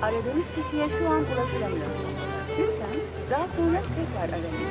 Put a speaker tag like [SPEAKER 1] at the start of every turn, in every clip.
[SPEAKER 1] Aradığınız kişiye şu an ulaşılamıyor. Lütfen daha sonra tekrar arayın.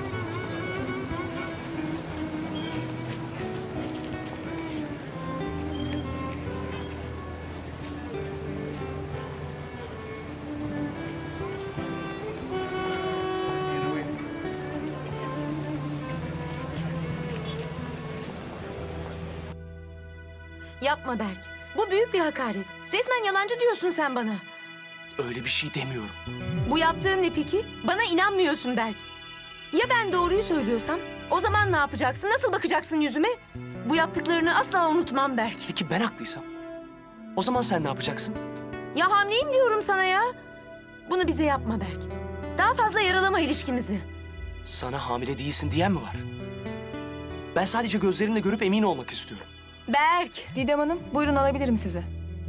[SPEAKER 2] Yapma Berk. Bu büyük bir hakaret. Resmen yalancı diyorsun sen bana.
[SPEAKER 3] Öyle bir şey demiyorum.
[SPEAKER 2] Bu yaptığın ne peki? Bana inanmıyorsun Berk. Ya ben doğruyu söylüyorsam? O zaman ne yapacaksın? Nasıl bakacaksın yüzüme? Bu yaptıklarını asla unutmam Berk.
[SPEAKER 3] Peki ben haklıysam? O zaman sen ne yapacaksın?
[SPEAKER 2] Ya hamileyim diyorum sana ya. Bunu bize yapma Berk. Daha fazla yaralama ilişkimizi.
[SPEAKER 3] Sana hamile değilsin diyen mi var? Ben sadece gözlerimle görüp emin olmak istiyorum.
[SPEAKER 2] Berk.
[SPEAKER 4] Didem Hanım, buyurun alabilirim sizi.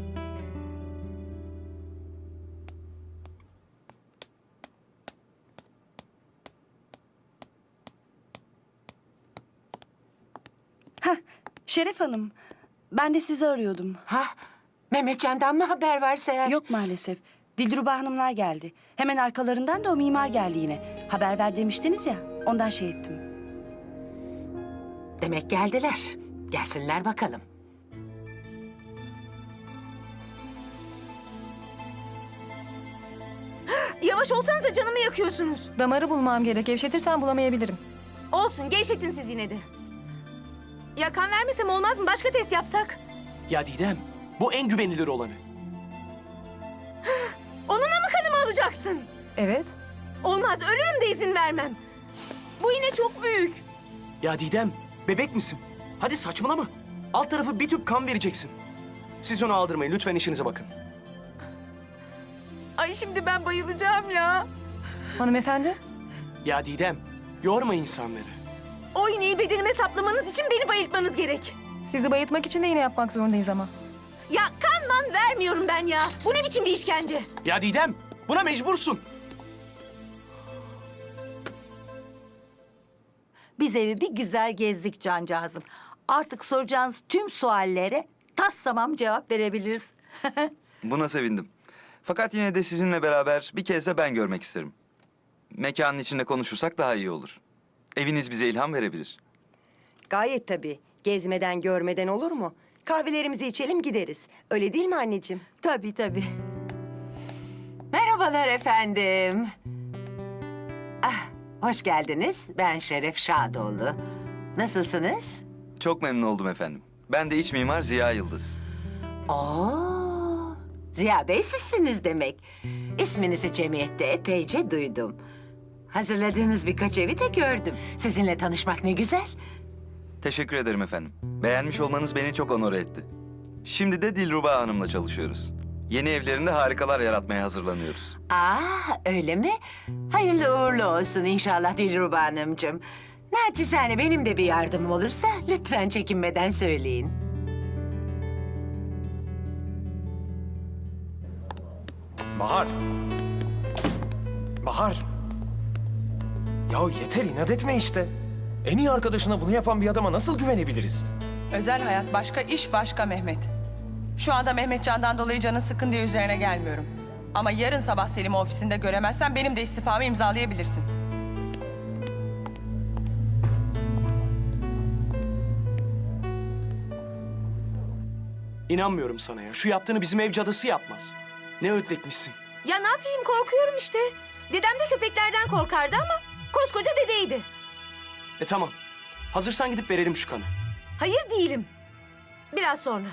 [SPEAKER 5] Şeref Hanım, ben de sizi arıyordum.
[SPEAKER 6] Ha? Mehmetcan'dan mı haber varsa eğer?
[SPEAKER 5] Yok maalesef. Dilruba Hanımlar geldi. Hemen arkalarından da o mimar geldi yine. Haber ver demiştiniz ya, ondan şey ettim.
[SPEAKER 6] Demek geldiler. Gelsinler bakalım.
[SPEAKER 2] Yavaş olsanıza canımı yakıyorsunuz.
[SPEAKER 4] Damarı bulmam gerek. Gevşetirsen bulamayabilirim.
[SPEAKER 2] Olsun gevşetin siz yine de. Ya kan vermesem olmaz mı? Başka test yapsak.
[SPEAKER 3] Ya Didem, bu en güvenilir olanı.
[SPEAKER 2] Onunla mı kanımı alacaksın?
[SPEAKER 4] Evet.
[SPEAKER 2] Olmaz ölürüm de izin vermem. Bu yine çok büyük.
[SPEAKER 3] Ya Didem, bebek misin? Hadi saçmalama. Alt tarafı bir tüp kan vereceksin. Siz onu aldırmayın, lütfen işinize bakın.
[SPEAKER 2] Ay şimdi ben bayılacağım ya.
[SPEAKER 4] Hanımefendi,
[SPEAKER 3] Ya Didem, yorma insanları.
[SPEAKER 2] O iğneyi bedenime saplamanız için beni bayıltmanız gerek.
[SPEAKER 4] sizi bayıltmak için de iğne yapmak zorundayız ama.
[SPEAKER 2] Ya kan vermiyorum ben ya. Bu ne biçim bir işkence?
[SPEAKER 3] Ya Didem, buna mecbursun.
[SPEAKER 7] Biz evi bir güzel gezdik cancağızım. Artık soracağınız tüm suallere tas tamam cevap verebiliriz.
[SPEAKER 8] Buna sevindim. Fakat yine de sizinle beraber bir kez de ben görmek isterim. Mekanın içinde konuşursak daha iyi olur. Eviniz bize ilham verebilir.
[SPEAKER 9] Gayet tabii. Gezmeden görmeden olur mu? Kahvelerimizi içelim gideriz. Öyle değil mi anneciğim?
[SPEAKER 7] Tabii tabii.
[SPEAKER 6] Merhabalar efendim. Ah, hoş geldiniz. Ben Şeref Şadoğlu. Nasılsınız?
[SPEAKER 8] Çok memnun oldum efendim. Ben de iç mimar Ziya Yıldız.
[SPEAKER 6] Oo, Ziya Bey sizsiniz demek. İsminizi cemiyette epeyce duydum. Hazırladığınız birkaç evi de gördüm. Sizinle tanışmak ne güzel.
[SPEAKER 8] Teşekkür ederim efendim. Beğenmiş olmanız beni çok onore etti. Şimdi de Dilruba Hanım'la çalışıyoruz. Yeni evlerinde harikalar yaratmaya hazırlanıyoruz.
[SPEAKER 6] Öyle mi? Hayırlı uğurlu olsun inşallah Dilruba Hanımcığım. Naçizane benim de bir yardımım olursa lütfen çekinmeden söyleyin.
[SPEAKER 10] Bahar. Bahar. Ya yeter inat etme işte. En iyi arkadaşına bunu yapan bir adama nasıl güvenebiliriz?
[SPEAKER 4] Özel hayat başka, iş başka Mehmet. Şu anda Mehmetcan'dan dolayı canın sıkkın diye üzerine gelmiyorum. Ama yarın sabah Selim'i ofisinde göremezsen benim de istifamı imzalayabilirsin.
[SPEAKER 3] İnanmıyorum sana ya. Şu yaptığını bizim ev cadısı yapmaz. Ne ödletmişsin.
[SPEAKER 2] Ya ne yapayım korkuyorum işte. Dedem de köpeklerden korkardı ama koskoca dedeydi.
[SPEAKER 3] Tamam. Hazırsan gidip verelim şu kanı.
[SPEAKER 2] Hayır değilim. Biraz sonra.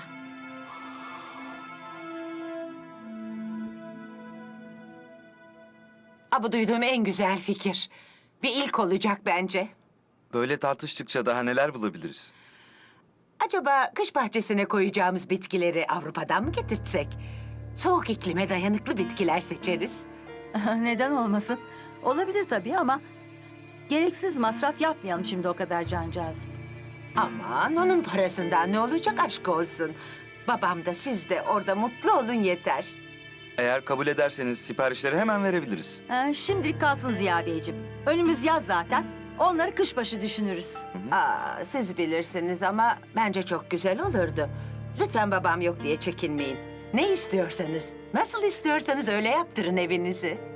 [SPEAKER 6] Bu duyduğum en güzel fikir. Bir ilk olacak bence.
[SPEAKER 8] Böyle tartıştıkça daha neler bulabiliriz?
[SPEAKER 6] Acaba kış bahçesine koyacağımız bitkileri Avrupa'dan mı getirtsek? Soğuk iklime dayanıklı bitkiler seçeriz.
[SPEAKER 7] Neden olmasın? Olabilir tabii ama gereksiz masraf yapmayalım şimdi o kadar cancağız.
[SPEAKER 6] Aman onun parasından ne olacak aşk olsun. Babam da siz de orada mutlu olun yeter.
[SPEAKER 8] Eğer kabul ederseniz siparişleri hemen verebiliriz.
[SPEAKER 7] Şimdilik kalsın Ziya Beyciğim. Önümüz yaz zaten. Onları kışbaşı düşünürüz.
[SPEAKER 6] Siz bilirsiniz ama bence çok güzel olurdu. Lütfen babam yok diye çekinmeyin. Ne istiyorsanız, nasıl istiyorsanız öyle yaptırın evinizi.